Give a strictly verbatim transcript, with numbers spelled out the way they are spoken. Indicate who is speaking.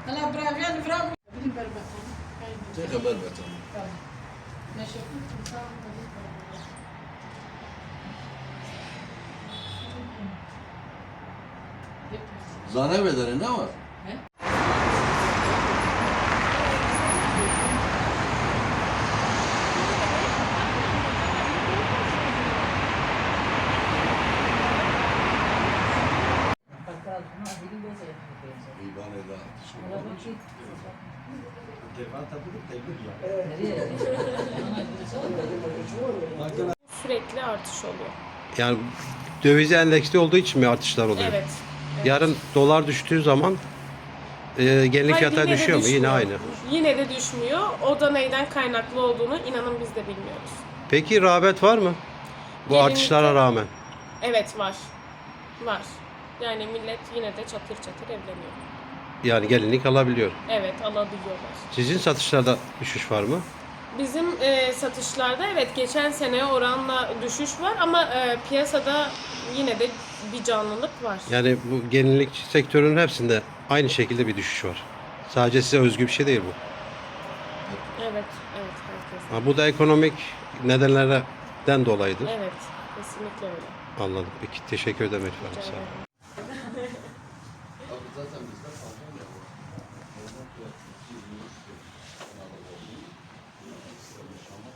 Speaker 1: هلا برافو يعني برافو بدي بربط
Speaker 2: Çek berbat.
Speaker 1: ماشي
Speaker 2: Zannevedere ne var? İban eda.
Speaker 3: Sürekli artış oluyor.
Speaker 4: Yani döviz endeksli olduğu için mi artışlar oluyor?
Speaker 3: Evet. evet.
Speaker 4: Yarın dolar düştüğü zaman e, gelinlik
Speaker 3: Hayır,
Speaker 4: fiyatları
Speaker 3: yine de
Speaker 4: düşüyor mu? Yine
Speaker 3: düşmüyor.
Speaker 4: aynı.
Speaker 3: Yine de düşmüyor. O da neyden kaynaklı olduğunu inanın biz de bilmiyoruz.
Speaker 4: Peki rağbet var mı? Bu
Speaker 3: Gelinlikte-
Speaker 4: artışlara rağmen.
Speaker 3: Evet var. Var. Yani millet yine de çatır çatır evleniyor.
Speaker 4: Yani gelinlik alabiliyor.
Speaker 3: Evet, alabiliyorlar.
Speaker 4: Sizin satışlarda düşüş var mı?
Speaker 3: Bizim e, satışlarda evet geçen seneye oranla düşüş var ama e, piyasada yine de bir canlılık var.
Speaker 4: Yani bu gelinlik sektörünün hepsinde aynı şekilde bir düşüş var. Sadece size özgü bir şey değil bu.
Speaker 3: Evet, evet herkes.
Speaker 4: Ha, bu da ekonomik nedenlerden dolayıdır.
Speaker 3: Evet, kesinlikle öyle.
Speaker 4: Anladım. Peki teşekkür ederim efendim.
Speaker 3: Rica
Speaker 4: Sağ olun.
Speaker 3: ederim.
Speaker 2: Abi zaten bizde fazla ya. Ondan sonra